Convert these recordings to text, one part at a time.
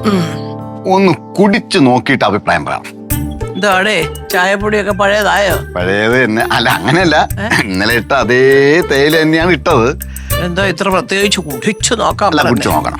ഒന്ന് കുടിച്ചു നോക്കിയിട്ട് അഭിപ്രായം പറയാം. എന്താടേ ചായപ്പൊടിയൊക്കെ പഴയതായോ? പഴയത് തന്നെ. അല്ല, അങ്ങനെയല്ല, ഇന്നലെ ഇട്ട അതേ തേയില തന്നെയാണ് ഇട്ടത്. എന്താ ഇത്ര പ്രത്യേകിച്ച് കുടിച്ചു നോക്കാം? അല്ല, കുടിച്ചു നോക്കണം.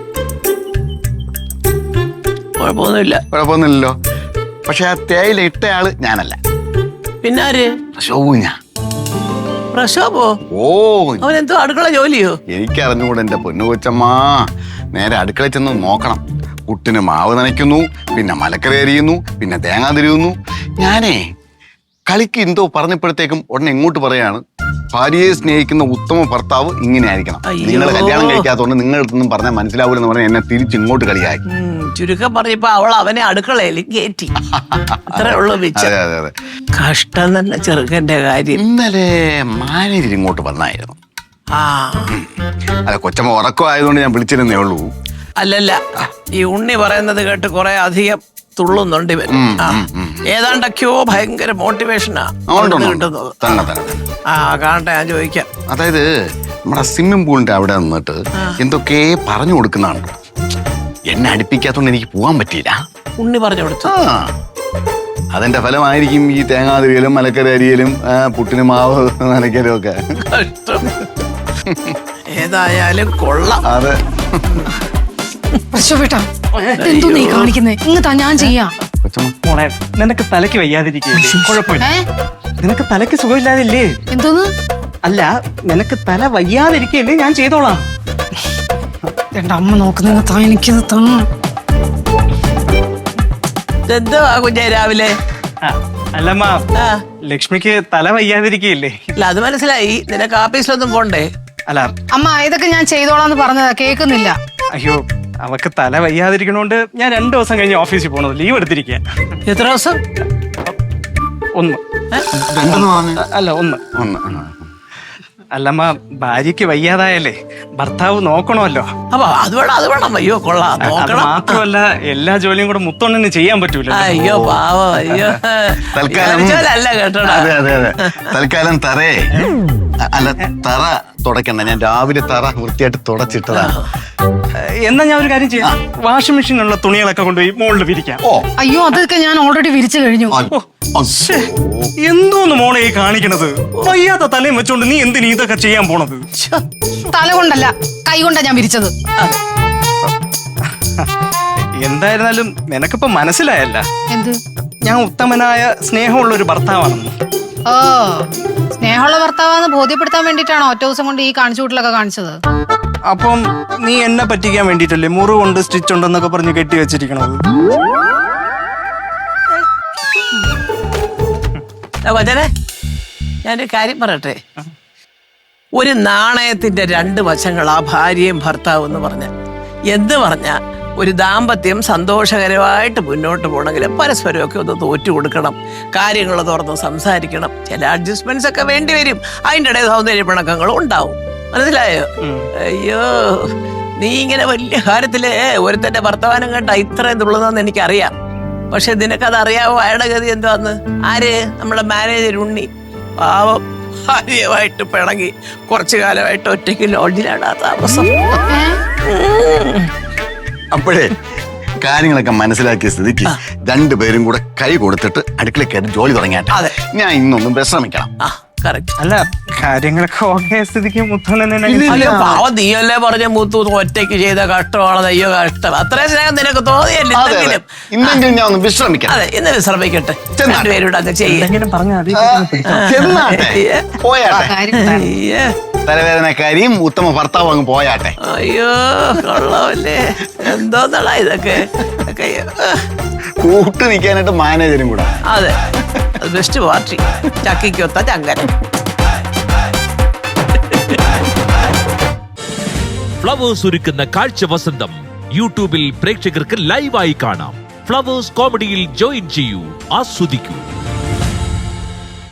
കുഴപ്പമൊന്നുമില്ലല്ലോ. പക്ഷെ ആ തേയില ഇട്ടയാള് ഞാനല്ല. പിന്നാര്? പ്രശോഭ. പ്രശോഭോ? ഓ, അവനെന്തോ അടുക്കള ജോലിയോ? എനിക്കറിഞ്ഞുകൂടെ എന്റെ പൊന്നു കൊച്ചമ്മ. നേരെ അടുക്കളയിൽ ചെന്ന് നോക്കണം. പുട്ടിന് മാവ് നനയ്ക്കുന്നു, പിന്നെ മലക്കറി അരിയുന്നു, പിന്നെ തേങ്ങ തിരിയുന്നു. ഞാനേ കളിക്ക് എന്തോ പറഞ്ഞപ്പോഴത്തേക്കും ഉടനെ ഇങ്ങോട്ട് പറയാണ്, ഭാര്യയെ സ്നേഹിക്കുന്ന ഉത്തമ ഭർത്താവ് ഇങ്ങനെ ആയിരിക്കണം. നിങ്ങൾ കല്യാണം കഴിക്കാത്തതുകൊണ്ട് നിങ്ങളുടെ അടുത്തൊന്നും പറഞ്ഞാൽ മനസ്സിലാവൂലെന്ന് പറഞ്ഞാൽ എന്നെ തിരിച്ചിങ്ങോട്ട് കളിയായി. ചുരുക്കം പറഞ്ഞപ്പോ അവൾ അവനെ അടുക്കളയിൽ കയറ്റി. അത്രേ ഉള്ളൂ. അതെ. കഷ്ടം തന്നെ ചെറുക്കന്റെ കാര്യം. ഇന്നലെ മാനേജർ ഇങ്ങോട്ട് വന്നായിരുന്നു. അല്ല, കൊച്ചമ്മ ഉറക്കമായതുകൊണ്ട് ഞാൻ വിളിച്ചിരുന്നേ ഉള്ളൂ. അല്ലല്ല, ഈ ഉണ്ണി പറയുന്നത് കേട്ട് കുറെ അധികം തുള്ളുന്നുണ്ട് ഇവൻ. ഏതാണ്ടൊക്കെയോ ഭയങ്കര മോട്ടിവേഷനാ കിട്ടുന്നത്. കാണട്ടെ, ഞാൻ ചോദിക്കാം. അതായത് നമ്മുടെ സ്വിമ്മിംഗ് പൂളിന്റെ അവിടെ നിന്നിട്ട് എന്തൊക്കെ പറഞ്ഞു കൊടുക്കുന്നതാണ്. എന്നെ അടുപ്പിക്കാത്തോണ്ട് എനിക്ക് പോവാൻ പറ്റിയില്ല. ഉണ്ണി പറഞ്ഞു കൊടുത്തു. അതിന്റെ ഫലമായിരിക്കും ഈ തേങ്ങാതിരിയലും മലക്കറി അരിയലും പുട്ടിന് മാവ് നനയ്ക്കലും ഒക്കെ. ഏതായാലും കൊള്ളാം. അതെ. എന്തോ നീ കാണിക്കുന്നേ? ഇങ്ങത്താ ഞാൻ ചെയ്യാം. മോളെ, നിനക്ക് തലയ്ക്ക് വയ്യാതിരിക്കില്ലേ? കുഴപ്പമില്ല. നിനക്ക് തലയ്ക്ക് സുഖമില്ലാതില്ലേ? എന്തോന്ന്? അല്ല, നിനക്ക് തല വയ്യാതിരിക്കില്ലേ? ഞാൻ ചെയ്തോളാം. എന്റെ അമ്മ നോക്കുന്ന എനിക്കത് തന്നു. എന്തുവാ കുഞ്ഞെ രാവിലെ? അല്ലമ്മ, ലക്ഷ്മിക്ക് തല വയ്യാതിരിക്കില്ലേ? അല്ല, അത് മനസ്സിലായി. നിനക്ക് ആഫീസിലൊന്നും പോണ്ടേ? അല്ല അമ്മ, ഇതൊക്കെ ഞാൻ ചെയ്തോളാന്ന് പറഞ്ഞതാ, കേൾക്കുന്നില്ല. അയ്യോ, അവക്ക് തല വയ്യാതിരിക്കണോണ്ട് ഞാൻ 2 ദിവസം കഴിഞ്ഞ് ഓഫീസിൽ പോണത്. ലീവ് എടുത്തിരിക്കുക. എത്ര ദിവസം? 1. അല്ല, 1. അല്ലമ്മ, ഭാര്യക്ക് വയ്യാതായല്ലേ ഭർത്താവ് നോക്കണമല്ലോ. അപ്പൊ അത് വേണം. അയ്യോ, കൊള്ളാം. അത് മാത്രമല്ല, എല്ലാ ജോലിയും കൂടെ മുത്തോണ്ണന് ചെയ്യാൻ പറ്റൂല. അയ്യോ പാവം. അയ്യോ, അല്ല കേട്ടോ. അതെ. തൽക്കാലം തറ തുടക്കണ്ട. ഞാൻ രാവിലെ തറ വൃത്തിയായിട്ട് തുടച്ചിട്ടതാണ്. എന്നാ ഞാൻ ഒരു കാര്യം ചെയ്യാം. വാഷിംഗ് മെഷീനുള്ള തുണികളൊക്കെ കൊണ്ടുപോയി മുകളിൽ വിരിക്കാം. അയ്യോ, അതൊക്കെ ഞാൻ ഓൾറെഡി വിരിച്ചു കഴിഞ്ഞു. എന്തോന്ന് മോളെ ഈ കാണിക്കണത്? വയ്യാത്ത തലയും വെച്ചോണ്ട് നീ എന്തിനു ഇതൊക്കെ ചെയ്യാൻ പോണത്? തല കൊണ്ടല്ല, കൈ കൊണ്ടാ ഞാൻ വിരിച്ചത്. എന്തായിരുന്നാലും നിനക്കിപ്പോ മനസ്സിലായല്ല എന്ത്? ഞാൻ ഉത്തമനായ സ്നേഹമുള്ള ഒരു ഭർത്താവാണെന്ന്. ഓ, സ്നേഹമുള്ള ഭർത്താവാന്ന് ബോധ്യപ്പെടുത്താൻ വേണ്ടിട്ടാണോ ഒറ്റ ദിവസം കൊണ്ട് ഈ കാണിച്ചു കൂട്ടലൊക്കെ കാണിച്ചത്? അപ്പം നീ എന്നെ പറ്റിക്കാൻ വേണ്ടിട്ടല്ലേ മുറിവുണ്ട് സ്റ്റിച്ച് ഉണ്ടെന്നൊക്കെ പറഞ്ഞ് കെട്ടി വെച്ചിരിക്കണത്? വചനെ, ഞാനൊരു കാര്യം പറയട്ടെ. ഒരു നാണയത്തിന്റെ 2 വശങ്ങളാ ഭാര്യയും ഭർത്താവും എന്ന് പറഞ്ഞ. എന്ത് പറഞ്ഞ ഒരു ദാമ്പത്യം സന്തോഷകരമായിട്ട് മുന്നോട്ട് പോകണമെങ്കിൽ പരസ്പരമൊക്കെ ഒന്ന് തോറ്റു കൊടുക്കണം. കാര്യങ്ങൾ തുറന്ന് സംസാരിക്കണം. ചില അഡ്ജസ്റ്റ്മെന്റ്സ് ഒക്കെ വേണ്ടി വരും. അതിൻ്റെ ഇടയിൽ സൗന്ദര്യ പിണക്കങ്ങളും ഉണ്ടാവും. മനസ്സിലായോ? അയ്യോ, നീ ഇങ്ങനെ വലിയ കാര്യത്തില് ഒരുത്തന്റെ വർത്തമാനം കേട്ടാ ഇത്രയും തുള്ളുന്നതെന്ന് എനിക്കറിയാം. പക്ഷെ നിനക്കത് അറിയാവോ അയാളുടെ ഗതി എന്തുവാന്ന്? ആര്? നമ്മുടെ മാനേജർ ഉണ്ണി. പാവം, ഭാര്യയുമായിട്ട് പിണങ്ങി കുറച്ചു കാലമായിട്ട് ഒറ്റയ്ക്ക് ലോഡ്ജിലാണ് താമസം. അപ്പോഴേ കാര്യങ്ങളൊക്കെ മനസ്സിലാക്കിയ സ്ഥിതിക്ക് 2 പേരും കൂടെ കൈ കൊടുത്തിട്ട് അടുക്കളയിൽ കയറി ജോലി തുടങ്ങിയാട്ടെ. ഞാൻ ഇന്നൊന്നും വിശ്രമിക്കണം. അല്ല, കാര്യങ്ങളൊക്കെ ഓക്കെ സ്ഥിതിക്ക് മുത്തോണ്ണനെ പാവം നീയല്ലേ പറഞ്ഞ മുത്തു ഒറ്റയ്ക്ക് ചെയ്ത കഷ്ടമാണ്. അയ്യോ കഷ്ടം. അത്രയും സ്നേഹം നിനക്ക് തോന്നിയല്ലേ? ഇന്നെങ്കിലും ഞാൻ ഒന്ന് വിശ്രമിക്കാം. അതെ, ഇന്ന് വിശ്രമിക്കട്ടെ. 2 പേരുടെ അങ്ങ് ചെയ്യാൻ തലവേദനക്കാരിയും ഉത്തമ ഭർത്താവ് അങ്ങ് പോയാട്ടെ. അയ്യോ, കൊള്ളാമല്ലേ? എന്തോന്നടാ ഇതൊക്കെ? കൂട്ട് നിൽക്കാനായിട്ട് മാനേജരും കൂടെ. അതെ, ബെസ്റ്റ് പാർട്ടി. ചക്കിക്കൊത്ത ചങ്കൻ. ഫ്ലവേഴ്സ് ഒരുക്കുന്ന കാഴ്ച വസന്തം യൂട്യൂബിൽ പ്രേക്ഷകർക്ക് ലൈവായി കാണാം. ഫ്ലവേഴ്സ് കോമഡിയിൽ ജോയിൻ ചെയ്യൂ, ആസ്വദിക്കൂ.